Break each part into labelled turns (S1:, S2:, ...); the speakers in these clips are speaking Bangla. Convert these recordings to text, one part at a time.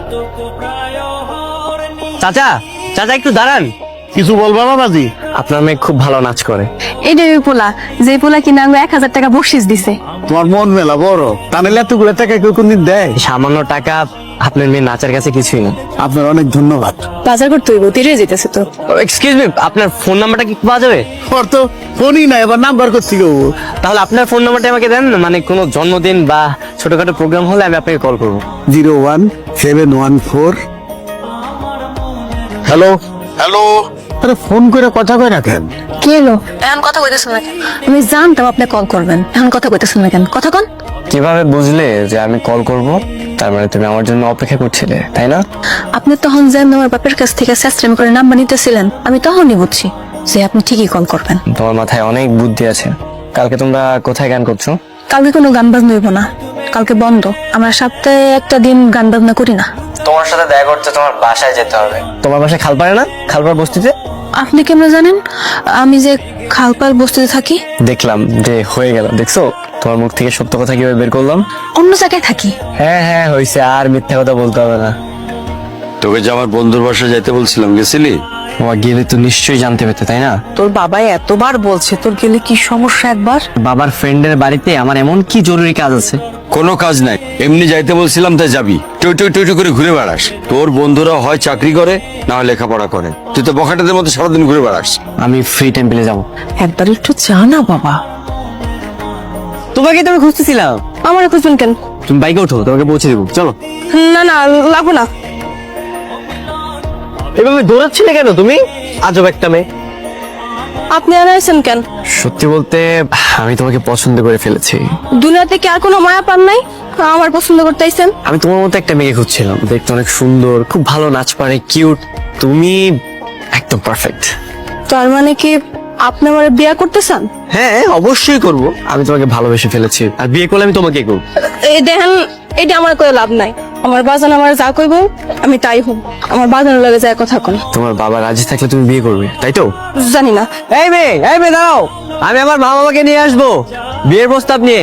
S1: চাচা চাচা একটু দাঁড়ান।
S2: কিছু বলবা বাবাজি?
S1: আপনার মেয়ে খুব ভালো নাচ করে।
S3: এটা ওই পোলা, যে পোলা কিনা আঙ্গো 1000 টাকা বকশিস দিছে।
S2: তোমার মন মেলা বড়, তাহলে এতগুলো টাকা কেউ কোনদিন দেয়?
S1: সামান্য টাকা আপনার মেয়ে নাচের কাছে কিছুই না।
S2: আপনার অনেক ধন্যবাদ।
S3: বাজার করতে হইব, তেরে যেতেছে তো।
S1: এক্সকিউজ মি, আপনার ফোন নাম্বারটা কি পাওয়া যাবে?
S2: ওর তো ফোনই না, এবার নাম্বার করছি গো।
S1: তাহলে আপনার ফোন নাম্বারটা আমাকে দেন, মানে কোনো জন্মদিন বা ছোটখাটো প্রোগ্রাম হলে আমি আপনাকে কল করবো।
S2: 01714। Hello hello. আরে ফোন করে কথা কই রাখেন।
S3: কি হলো? এখন কথা কইতেছেন না কেন? আমি জানতাম আপনি কল করবেন, এখন কথা কইতেছেন না কেন? কথা কোন?
S1: কিভাবে বুঝলে যে আমি কল করব? তার মানে তুমি আমার জন্য অপেক্ষা করছিলে, তাই না?
S3: আপনি তখন যে আমার বাপের কাছ থেকে স্যাস্ট্রেম করে নাম্বার নিতেছিলেন, আমি তখনই বুঝছি যে আপনি ঠিকই কল করবেন।
S1: তোমার মাথায় অনেক বুদ্ধি আছে। কালকে তোমরা কোথায় গান করছো?
S3: কালকে কোনো গান বাজনা হইব না, কালকে বন্ধ। আমরা সপ্তাহে একটা দিন গান বাজনা করি না।
S1: তোমার সাথে দেখা করতে তোমার বাসায় যেতে হবে। তোমার বাসায় খালপাড়ে না? খালপাড় বস্তিতে।
S3: আপনি কেমন জানেন আমি যে খালপাল বস্তিতে থাকি?
S1: দেখলাম যে হয়ে গেল। দেখছো তোমার মুখ থেকে সত্য কথা কিভাবে বের করলাম?
S3: অন্য জায়গায় থাকি।
S1: হ্যাঁ হ্যাঁ হয়েছে, আর মিথ্যা কথা বলতে হবে না।
S4: তোকে যে আমার বন্ধুর বাসায় যাইতে বলছিলাম, গেছিলি?
S1: তোমার গেলে তো নিশ্চয়ই জানতে পেতে, তাই না?
S5: তোর বাবা এতবার বলছে, তোর গেলে কি সমস্যা একবার?
S1: বাবার ফ্রেন্ডের বাড়িতে আমার এমন কি জরুরি কাজ আছে?
S4: কোনো কাজ নাই, এমনি যাইতে বলছিলাম তাই যাবি। টই টই টই টই করে ঘুরে বেড়াস। তোর বন্ধুরা হয় চাকরি করে না হয় লেখাপড়া করে, তুই তো বখাটেদের মতো সারাদিন ঘুরে বেড়াস।
S1: আমি ফ্রি টেম্পলে যাব।
S5: একবার একটু চা না বাবা।
S1: তোমাকে তো আমি খুঁজতেছিলাম।
S3: আমার খুঁজবেন কেন?
S1: তুমি বাইকে ওঠো, তোমাকে পৌঁছে দেবো, চলো।
S3: না না, লাগবো না।
S1: এভাবে দৌড়াচ্ছিলে কেন তুমি? আজব একটা মেয়ে।
S3: আপনি আর আইছেন কেন?
S1: সত্যি বলতে আমি তোমাকে পছন্দ করে ফেলেছি।
S3: দুনিয়াতে কি আর কোনো মায়া পান নাই আমার পছন্দ করতে আইছেন?
S1: আমি তোমার মতো একটা মেয়ে খুঁজছিলাম, দেখতে অনেক সুন্দর, খুব ভালো নাচ পারে, কিউট। তুমি একদম পারফেক্ট।
S3: তার মানে কি আপনি আমার বিয়ে করতে চান?
S1: হ্যাঁ অবশ্যই করব। আমি তোমাকে ভালোবেসে ফেলেছি, আর বিয়ে করলে আমি তোমাকে করব।
S3: এই দেখেন, এটা আমার কোনো লাভ নাই। আমার বাজান আমার যা কইব আমি তাই হব। আমার বাজানের লগে যায় কথা কোন।
S1: তোমার বাবা রাজি থাকলে তুমি বিয়ে করবে, তাই তো?
S3: জানি না।
S1: এই মেয়ে দাঁড়াও, আমি আমার মা বাবাকে নিয়ে আসবো বিয়ের প্রস্তাব নিয়ে।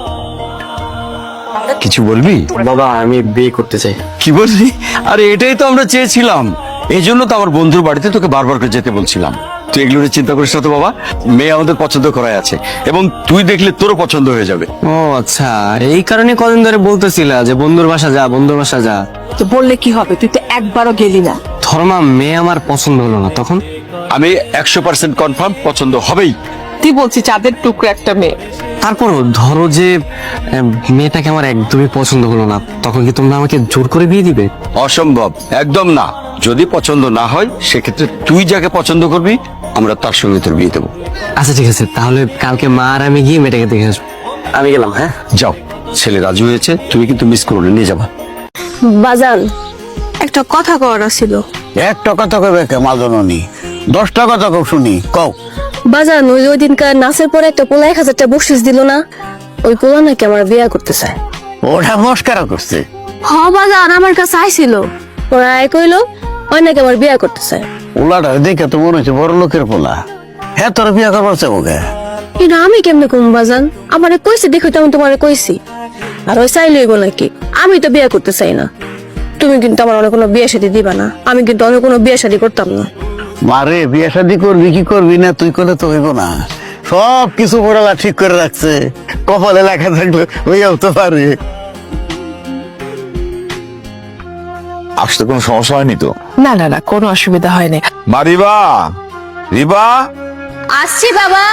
S4: কিছু বলবি?
S1: বাবা আমি বিয়ে করতে চাই।
S4: কি বললি? আরে এটাই তো আমরা চেয়েছিলাম, এই জন্য তো আমার বন্ধুর বাড়িতে তোকে বারবার করে যেতে বলছিলাম। তুই এগুলো নিয়ে চিন্তা করিস না তো বাবা, মেয়ে আমাদের পছন্দ করাই আছে, এবং তুই দেখলে তোরও পছন্দ হয়ে যাবে।
S1: ও আচ্ছা, এই কারণে কদিন ধরে বলতেছিলা যে বন্ধুর বাসা যা, বন্ধুর বাসা যা।
S5: তো বললে কি হবে, তুই তো একবারও গেলি না।
S1: ধর্মা মেয়ে আমার পছন্দ হলো না, তখন?
S4: আমি 100% কনফার্ম পছন্দ হবেই।
S5: তুই বলছি চাঁদের টুকরো একটা মেয়ে।
S1: তারপরও ধরো যে মেয়েটাকে আমার একদমই পছন্দ হলো না, তখন কি তোমরা আমাকে জোর করে বিয়ে দিবে?
S4: অসম্ভব, একদম না। যদি পছন্দ না হয় সেক্ষেত্রে তুই যাকে পছন্দ করবি আমরা তার সঙ্গে তোর বিয়ে দেবো।
S1: আচ্ছা ঠিক আছে, তাহলে কালকে মা আর আমি গিয়ে মেয়েটাকে দেখে আসবো। আমি গেলাম। হ্যাঁ
S4: যাও, ছেলে রাজি হয়েছে, তুমি কিন্তু মিস করো না, নিয়ে যাবা।
S3: বাজান একটা কথা কওয়ার ছিল।
S2: একটা কথা কবে কে মাজননি, 10টা কথা কব শুনি, কও।
S3: বাজান ওই দিনকার নাচের পরে একটা পোলা 1000 টাকা বকশিস দিল না, ওই পোলা নাকি আমার বিয়ে করতে চায়।
S2: ওটা মস্কারা করছে।
S3: হ বাজান আমার কাছে আইছিল, ওরা আয় কইলো ওই নাকি আমার বিয়ে করতে চায়।
S2: ওলাটা দেখে তো মনে হচ্ছে বড় লোকের পোলা। হ্যাঁ তোর বিয়া করবার চাবো কে?
S3: এটা আমি কেমনে কম বাজান? আমারে কইছে দেখো তো আমি তোমারে কইছি। আর ওই চাই লইব নাকি? আমি তো বিয়ে করতে চাই না। তুমি কিন্তু আমার অনেক কোনো বিয়ে শাদী দিবা না, আমি কিন্তু অনেক কোনো বিয়ে শাদী করতাম না।
S2: মারে বিয়া শাদি করবি কি করবি না তুই করলে তো হইব না। সব কিছু পড়ালা ঠিক করে রাখছে, কপালে লেখা থাকলে হইয়াও তো পারে।
S6: আসতে কোনো সমস্যা হয়নি তো?
S5: না না না, কোনো অসুবিধা হয়নি।
S6: মা রিবা, রিবা
S3: আসছি বাবা।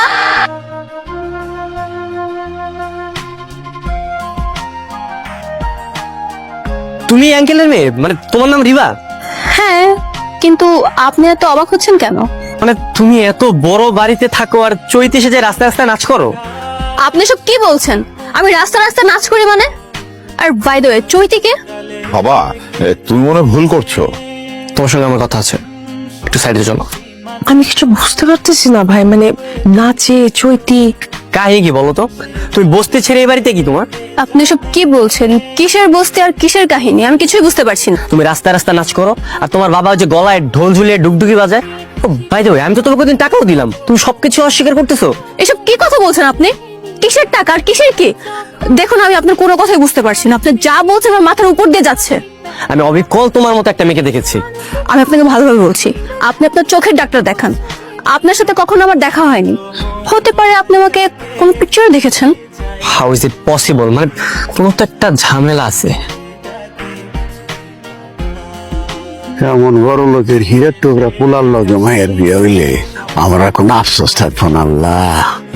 S1: তুমি আঙ্কেলের মেয়ে, মানে তোমার নাম রিবা?
S3: হ্যাঁ, কিন্তু আপনি এত অবাক হচ্ছেন কেন?
S1: মানে তুমি এত বড় বাড়িতে থাকো আর চৈতে সেজে রাস্তায় রাস্তায় নাচ করো?
S3: আপনি সব কি বলছেন? আমি রাস্তা রাস্তা নাচ করি মানে? আর বাই দ্য ওয়ে চৈতিকে
S6: বাবা, তুমি মনে হয় ভুল করছো।
S1: তোমার সঙ্গে আমার কথা আছে, একটু সাইডে চলো।
S5: আমি কিছু বুঝতে পারতেছি না ভাই, মানে নাচে চৈতি
S1: কাহিনী কি বলো তো? তুমি বসতে ছেড়ে এই বাড়িতে কি তোমার?
S3: আপনি সব কি বলছেন? কিসের বস্তি আর কিসের কাহিনী আমি কিছুই বুঝতে পারছি না।
S1: তুমি রাস্তায় রাস্তায় নাচ করো আর তোমার বাবা যে গলায় ঢোল ঝুলিয়ে ডুগডুগি বাজায়। ও বাই দ্য ওয়ে, আমি তো তোমাকে ওদিন টাকাও দিলাম, তুমি সবকিছু অস্বীকার করতেছো।
S3: এসব কি কথা বলছেন আপনি? কিসের টাকা আর কিসের কি? দেখুন আমি আপনার কোনো কথাই বুঝতে পারছি না। আপনি যা বলছেন আমার মাথার উপর দিয়ে যাচ্ছে।
S1: আমি অবিকল তোমার মতো একটা মেয়েকে দেখেছি।
S3: আমি আপনাকে ভালোভাবে বলছি, আপনি আপনার চোখের ডাক্তার দেখান। আপনার সাথে কখনো আমার দেখা হয়নি, হতে পারে আপনি আমাকে কোন পিকচারে দেখেছেন।
S1: How is it possible? মানে কোনো তো একটা ঝামেলা আছে।
S2: এমন বড় লোকের হীরের টুকরা পোলার লগে মায়ের বিয়ে হইলে আমার আর কোনো আফসোস থাকবো না আল্লাহ।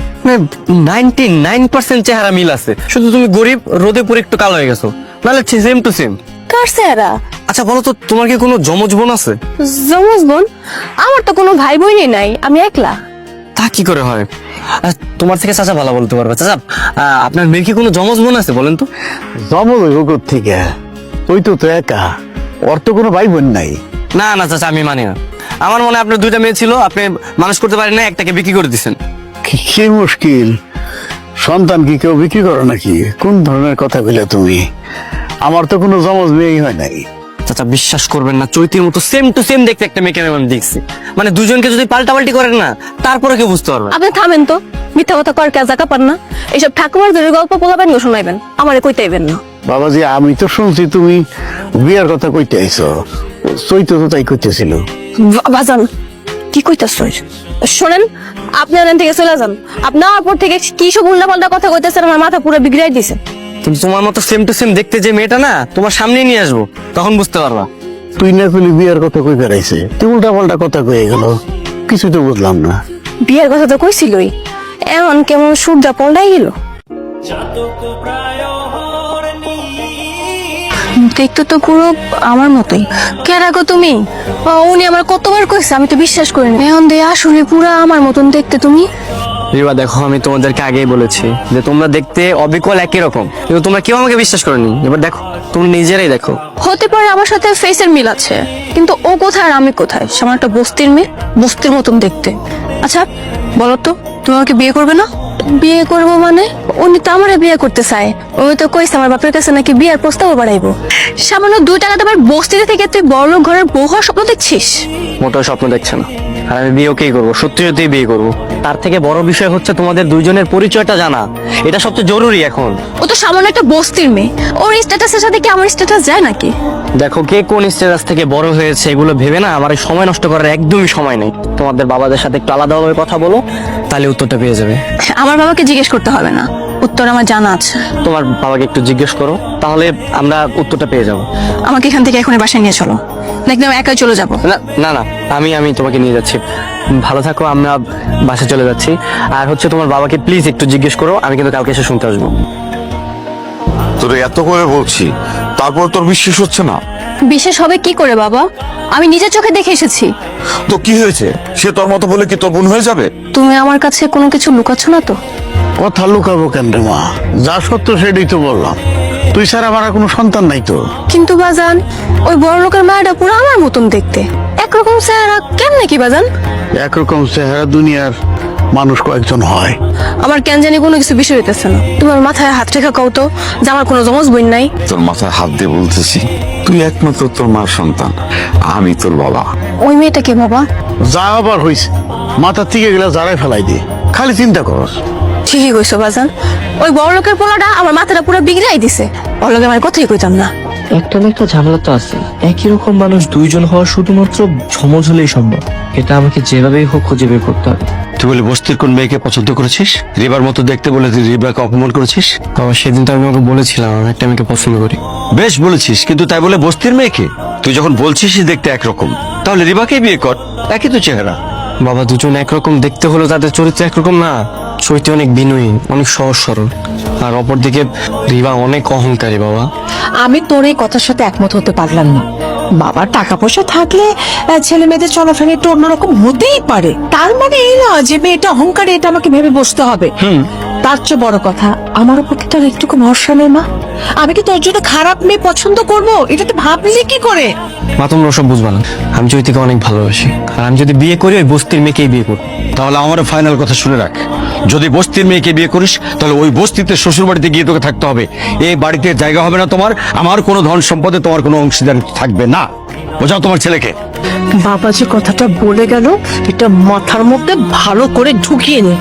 S1: 99% চেহারা মিল আছে, শুধু তুমি গরিব, রোদে পুরো একটু কালো হয়ে গেছো, নাহলে সেম টু সেম।
S3: কার চেহারা?
S1: আচ্ছা বলো তো, তোমার কি কোনো জমজ বোন আছে?
S3: জমজ বোন? আমার তো কোনো ভাই বোনই নাই, আমি একলা।
S1: তা কি করে হয়? তোমার থেকে চাচা ভালো বলতে পারবে। চাচা, আপনার মেয়ের কি কোনো জমজ বোন আছে বলেন তো?
S2: জমজ হইব থেকে, তুই তো তো একা, ওর তো কোনো ভাই বোন নাই।
S1: না না চাচা, আমি মানি না। আমার মনে হয় আপনার দুইটা মেয়ে ছিল, আপনি মানুষ করতে পারেন না, একটাকে বিক্রি করে দিচ্ছেন।
S2: কি মুশকিল, সন্তান কি কেউ বিক্রি করো নাকি? কোন ধরনের কথা বলে তুমি? আমার তো কোনো জমজ মেয়েই হয় নাই।
S1: চাচা বিশ্বাস করবেন না, চৈতির মতো সেম টু সেম দেখতে একটা মেয়েকে আমি দেখছি। মানে দুজনকে যদি পাল্টাপাল্টি করেন না, তারপরে কেউ বুঝতে পারবে।
S3: আপনি থামেন তো, মিথ্যা কথা কর কাজ পান না। এইসব ঠাকুমার ধরে গল্প পোলাবেন গো শোনাইবেন, আমারে কইতাইবেন না।
S2: বাবাজি, আমি তো শুনছি তুমি বিয়ের কথা কইতে আইছো, চৈত তো তাই কইতেছিল।
S3: বাজান কি কইতাছ? শোনেন, আপনি ওখান থেকে চলে যান। আপনি আমার পর থেকে কি সব উল্টাপাল্টা কথা কইতেছেন, আমার মাথা পুরো বিগড়াই দিছে।
S1: কিন্তু তোমার মতো সেম টু সেম দেখতে যে মেয়েটা না, তোমার সামনে নিয়ে আসবো, তখন বুঝতে পারবা।
S2: তুই না কইলি বিয়ের কথা কই বেড়াইছে, তুই উল্টা পাল্টা কথা কয়ে গেল, কিছু তো বুঝলাম না।
S3: বিয়ের কথা তো কইছিলই, এমন কেমন সূর্যা পল্টাই গেল। দেখতে তো পুরো আমার মতোই। কেরা গো তুমি? উনি আমার কতবার কইছে, আমি তো বিশ্বাস করিনি। এখন দিয়ে আসলে পুরো আমার মতন দেখতে তুমি।
S1: রিবা দেখো, আমি তোমাদেরকে আগেই বলেছি যে তোমরা দেখতে অবিকল একই রকম, কিন্তু তোমরা কেউ আমাকে বিশ্বাস করেনি। এবার দেখো, তুমি নিজেরাই দেখো।
S3: হতে পারে আমার সাথে ফেসের মিল আছে, কিন্তু ও কোথায় আর আমি কোথায়? সামান্য একটা বস্তির মেয়ে, বস্তির মতন দেখতে। আচ্ছা বলো তো, তুমি আমাকে বিয়ে করবে না? বিয়ে করবো মানে? উনি তো আমারে বিয়ে করতে চায়। উনি তো কইছে আমার বাপের কাছে নাকি বিয়ের প্রস্তাব বাড়াইবো। সামান্য 2 টাকা তোমার বস্তিতে থেকে তুই বড়লোক ঘরের বউ হওয়ার স্বপ্ন দেখছিস?
S1: মোটেও স্বপ্ন দেখছে না, আর আমি বিয়ে ওকেই করবো, সত্যি সত্যি বিয়ে করবো। তার থেকে বড় বিষয় হচ্ছে তোমাদের দুইজনের পরিচয়টা জানা, এটা সবচেয়ে জরুরি এখন।
S3: ও তো সামান্য একটা বস্তির মেয়ে, ওর স্ট্যাটাসের সাথে কি আমার স্ট্যাটাস যায় নাকি?
S1: দেখো, কে কোন স্টেটাস থেকে বড় হয়েছে এগুলো ভেবে না আমার এই সময় নষ্ট করার একদমই সময় নেই। তোমাদের বাবাদের সাথে একটু আলাদাভাবে কথা বলো, তাহলে উত্তরটা পেয়ে যাবে।
S3: আমার বাবাকে জিজ্ঞেস করতে হবে না, উত্তর আমার জানা আছে।
S1: তোমার বাবাকে একটু জিজ্ঞেস করো, তাহলে আমরা উত্তরটা পেয়ে যাবো।
S3: আমাকে এখান থেকে এখনই বাসায় নিয়ে চলো, দেখলাম একাই চলে যাবো।
S1: না না না, আমি তোমাকে নিয়ে যাচ্ছি। ভালো থাকো, আমরা বাসে চলে যাচ্ছি। আর হচ্ছে তোমার বাবাকে প্লিজ একটু জিজ্ঞেস করো, আমি কিন্তু কালকে এসে শুনতে আসবো।
S6: তোর এত করে বলছি, তারপর তোর বিশ্বাস হচ্ছে না?
S3: বিশেষ হবে কি করে বাবা? আমি নিজের চোখে দেখে এসেছি।
S6: তো কি হয়েছে? সে তোর মতো বলে কি তোর বোন হয়ে যাবে?
S3: তুমি আমার কাছে কোনো কিছু লুকাচ্ছ না তো?
S2: কথা লুকাবো কেন রে মা? যা সত্য সেটাই তো বললাম। তুই ছাড়া আমার আর কোনো সন্তান নাই তো।
S3: কিন্তু বাজান, ওই বড় লোকের মায়াটা পুরো আমার মতন দেখতে, একরকম চেহারা, কেমনে কি বাজান?
S2: একরকম চেহারা দুনিয়ার মানুষ কয়েকজন হয়।
S3: আমার কেন জানি কোনো কিছু বিষয় হইতেছে না। তোমার মাথায় হাত রেখা কও তো যে আমার কোনো জমজ বোন নাই।
S6: তোর মাথায় হাত দিয়ে বলতেছি, তুই একমাত্র তোর মার সন্তান, আমি তোর বাবা।
S3: ওই মেয়েটা কে বাবা?
S2: যা আবার হইছে, মাথার থেকে গেলে যারাই ফেলাই দে, খালি চিন্তা কর।
S3: ঠিকই কইছো বাজান, ওই বড় লোকের পোলাটা আমার মাথাটা পুরো বিগড়াই দিছে। ওর লগে আমার কথাই কইতাম না।
S7: একটা না একটা ঝামেলা তো আছে। একই রকম মানুষ দুইজন হওয়া শুধুমাত্র সমজ হলেই সম্ভব। এটা আমাকে যেভাবেই হোক খুঁজে বের করতে হবে।
S4: তুই বলে বস্তির কোন মেয়েকে পছন্দ করেছিস? রিবার মতো দেখতে বলে তুই রিবাকে অপমান করেছিস?
S1: বাবা সেদিন তো আমি ওকে বলেছিলাম আমি একটা মেয়েকে পছন্দ করি।
S4: বেশ বলেছিস, কিন্তু তাই বলে বস্তির মেয়েকে? তুই যখন বলছিস দেখতে একরকম, তাহলে রিবাকেই বিয়ে কর, একই তো চেহারা।
S1: বাবা দুজন একরকম দেখতে হলো, তাদের চরিত্র একরকম না। চৈতি অনেক বিনয়ী, অনেক সহজ সরল, আর অপরদিকে রিবা অনেক অহংকারী। বাবা
S5: আমি তোর এই কথার সাথে একমত হতে পারলাম না। বাবার টাকা পয়সা থাকলে ছেলে মেয়েদের চলাফেরা একটু অন্যরকম হতেই পারে, তার মানে এই না যে মেয়েটা অহংকারী এটা আমাকে ভেবে বসতে হবে। তার চেয়ে বড় কথা, আমার উপর কি তোর একটুকু ভরসা নেই মা? আমি কি তোর জন্য খারাপ মেয়ে পছন্দ করব? এটা তো ভাবলি কি করে?
S1: মা তোমরা ওসব বুঝবা না, আমি চৈতিকে অনেক ভালোবাসি, আর আমি যদি বিয়ে করি ওই বস্তির মেয়েকেই বিয়ে করবো।
S4: তাহলে আমার ফাইনাল কথা শুনে রাখ, যদি বস্তির মেয়েকে বিয়ে করিস তাহলে ওই বস্তিতে শ্বশুর বাড়িতে গিয়ে তোকে থাকতে হবে। এই বাড়িতে জায়গা হবে না তোমার, আমার কোনো ধন সম্পদে তোমার কোনো অংশীদার থাকবে না। বোঝাও তোমার ছেলেকে।
S5: বাবা যে কথাটা বলে গেল এটা মাথার মধ্যে ভালো করে ঢুকিয়ে নে।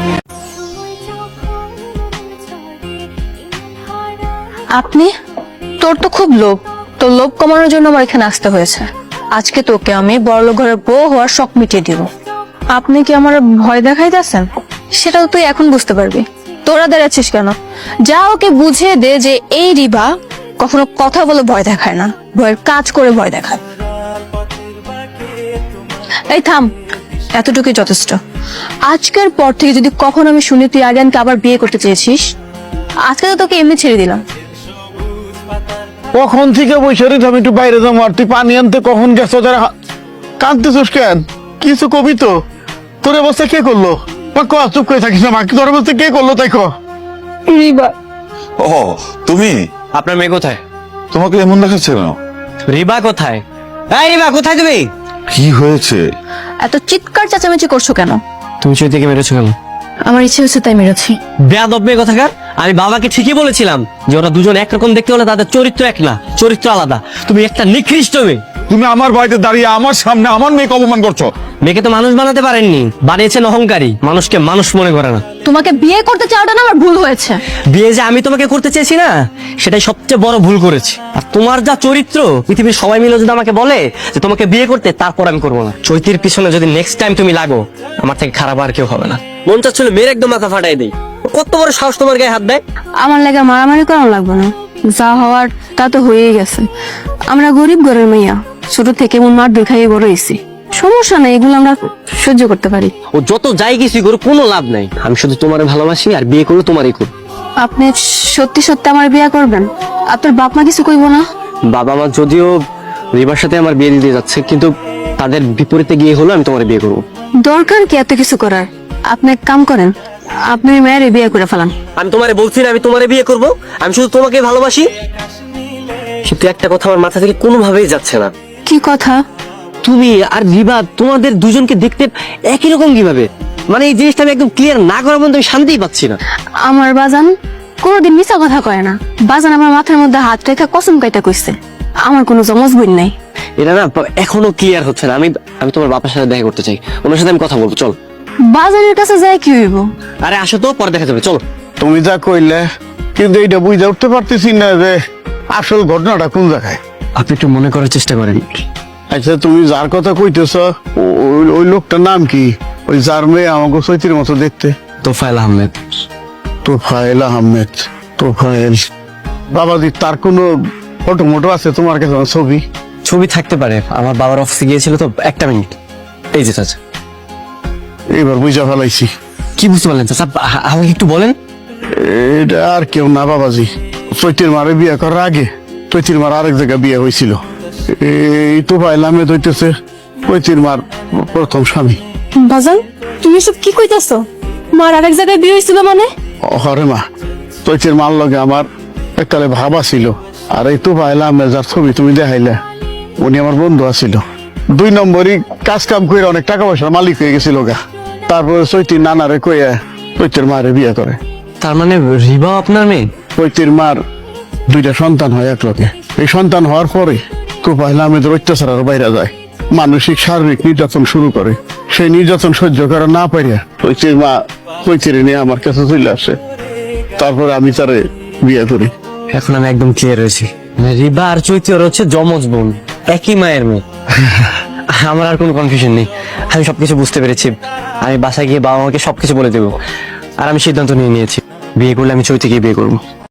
S3: আপনি? তোর তো খুব লোভ, তো লোভ কমানোর জন্য আমার এখানে আসতে হয়েছে। আজকে তোকে আমি বড়লোক ঘরের বউ হওয়ার শখ মিটিয়ে দিব। আপনি কি আমার ভয় দেখাইতেছেন? সেটা তো তুই এখন বুঝতে পারবি। তোরা দাঁড়াচ্ছিস কেন? যা ওকে বুঝিয়ে দে যে এই রিবা কখনো কথা বলে ভয় দেখায় না, ভয়ের কাজ করে ভয় দেখায়। এই থাম, এতটুকুই যথেষ্ট। আজকের পর থেকে যদি কখনো আমি শুনি তুই আরিয়ানকে আবার বিয়ে করতে চেয়েছিস, আজকে তো তোকে এমনি ছেড়ে দিলাম।
S2: কখন থেকে বসে রয়েছে, আমি একটু বাইরে যাবো, আর তুই পানি আনতে কখন গেছো? যারা কাঁদতেছিস কেন? কিছু কবি তো, তোর অবস্থা কে করলো? বা ক, চুপ করে থাকিস না, মাকে তোর অবস্থা কে করলো তাই ক।
S3: রিবা।
S6: ও তুমি,
S1: আপনার মেয়ে কোথায়?
S6: তোমাকে এমন দেখাচ্ছে কেন?
S1: রিবা কোথায়? এই রিবা কোথায় তুমি?
S6: কি হয়েছে?
S3: এত চিৎকার চেঁচামেচি করছো কেন?
S1: তুমি চৈতিকে মেরেছো কেন?
S3: আমার ইচ্ছে হচ্ছে তাই মেরেছি।
S1: বেয়াদব মেয়ে কথাকার। আমি বাবাকে ঠিকই বলেছিলাম যে ওরা দুজন একরকম দেখতে হলে তাদের চরিত্র এক না, চরিত্র আলাদা। তুমি একটা নিকৃষ্ট মেয়ে।
S6: তুমি আমার বাড়িতে দাঁড়িয়ে আমার সামনে আমার মেয়েকে অপমান করছো।
S1: মেয়েকে তো মানুষ বানাতে পারেননি, বানিয়েছেন অহংকারী। মানুষকে মানুষ মনে করে না।
S3: তোমাকে বিয়ে করতে চাওয়াটা না আমার ভুল হয়েছে।
S1: বিয়ে যে আমি তোমাকে করতে চেয়েছি না, সেটাই সবচেয়ে বড় ভুল করেছি। আর তোমার যা চরিত্র, পৃথিবীর সবাই মিলে যদি আমাকে বলে যে তোমাকে বিয়ে করতে, তারপর আমি করবো না। চৈতির পিছনে যদি নেক্সট টাইম তুমি লাগো, আমার থেকে খারাপ আর কেউ হবে না। মন চাচ্ছিল মেয়ের একদম মাথা ফাটাই দেই। কত বড় সাহস তোমার গায়ে হাত দেয়?
S3: আমার লাগে মারামারি করানো লাগবে না, যা হওয়ার তা তো হয়েই গেছে। আমরা গরিব ঘরের মেয়া, ছোট থেকে মন মার খাইয়ে বড় হয়েছি। সমস্যা নাই, এগুলো আমরা সহ্য করতে পারি।
S1: ও যত যাই কিছুই করো, কোনো লাভ নাই। আমি শুধু তোমার ভালোবাসি, আর বিয়ে করলে তোমারই করব।
S3: আপনি সত্যি সত্যি আমার বিয়ে করবেন? আপনার বাপ মা কিছু কইব না?
S1: বাবা মা যদিও রিবার সাথে আমার বিয়ে দিতে যাচ্ছে, কিন্তু তাদের বিপরীতে গিয়ে হলো আমি তোমার বিয়ে করবো।
S3: দরকার কি এত কিছু করার? আপনি এক কাম করেন, আপনি মেয়ের বিয়ে করে ফেলান।
S1: আমি তোমারে বলছি না আমি তোমারে বিয়ে করব, আমি শুধু তোমাকে ভালোবাসি। কিন্তু একটা কথা আমার মাথা থেকে কোনোভাবেই যাচ্ছে না।
S3: কি কথা?
S1: তুমি আর রিবা, তোমাদের দুজনকে দেখতে একই রকম কিভাবে? মানে এই জিনিসটা আমি একদম ক্লিয়ার না করার মধ্যে আমি শান্তিই পাচ্ছি না।
S3: আমার বাজান কোনোদিন মিছা কথা কয় না। বাজান আমার মাথার মধ্যে হাত রেখা কসম কাইটা কইছে, আমার কোনো জমজ বোন নাই।
S1: এটা না এখনো ক্লিয়ার হচ্ছে না। আমি আমি তোমার বাবার সাথে দেখা করতে চাই, ওনার সাথে আমি কথা বলবো। চল।
S3: বাজানের কাছে যায় কি হইব?
S1: আরে আসো তো, পরে দেখা যাবে। চলো।
S2: তুমি যা কইলে, কিন্তু এইটা বুঝে উঠতে পারতেছি না যে আসল ঘটনাটা কোন জায়গায়।
S1: আপনি একটু মনে করার চেষ্টা করেন।
S2: আচ্ছা, তুমি যার কথা কইতেছ, ওই লোকটার নাম কি? ওই যার মেয়ে আমাকে চৈতির মতো দেখতে?
S1: তোফায়েল আহমেদ।
S2: তোফায়েল আহমেদ। তোফায়েল বাবাজি, তার কোনো ফটো মোটো আছে তোমার কাছে? ছবি
S1: ছবি থাকতে পারে, আমার বাবার অফিসে গিয়েছিল তো। একটা মিনিট, এই যে চাচা।
S2: এবার বুঝা ফেলাইছি।
S1: কি বুঝতে পারলেন চাচা? আমাকে একটু বলেন।
S2: এটা আর কেউ না বাবাজি, চৈতির মারে বিয়ে করার আগে চৈতির মার আরেক জায়গায় বিয়ে হয়েছিল। এই তোফায়েল আহমেদ হইতেছে চৈতির মার প্রথম স্বামী।
S3: বাজান তুমি সব কি কইতাছো? মার আরেক জায়গায় বিয়ে হইছিল মানে?
S2: হরে মা, চৈতির মার লগে আমার এককালে ভাবা ছিল। আর এই তোফায়েল আহমেদ যার ছবি তুমি দেখাইলে, উনি আমার বন্ধু আছিল। 2 নম্বরই কাজ কাম করে অনেক টাকা পয়সার মালিক হয়ে গেছিল গা। তারপরে চৈতির নানারে কইয়া চৈতির মারে বিয়ে করে।
S1: তার মানে রিবা আপনার মেয়ে?
S2: চৈতির মার 2টা সন্তান হয় এক লগে। এই সন্তান হওয়ার পরে তোফায়েল আহমেদের অত্যাচার আর বাইরে যায়, মানসিক শারীরিক নির্যাতন শুরু করে। সেই নির্যাতন সহ্য করা না পারিয়া চৈতির মা চৈতিরে নিয়ে আমার কাছে চলে আসে। তারপরে আমি তারে বিয়ে করি।
S1: এখন আমি একদম ক্লিয়ার হয়েছি। রিবা আর চৈতি ওরা হচ্ছে যমজ বোন, একই মায়ের মেয়ে। আমার আর কোনো কনফিউশন নেই, আমি সবকিছু বুঝতে পেরেছি। আমি বাসায় গিয়ে বাবা মাকে সবকিছু বলে দেবো। আর আমি সিদ্ধান্ত নিয়ে নিয়েছি, বিয়ে করলে আমি চৈতিকে বিয়ে করবো।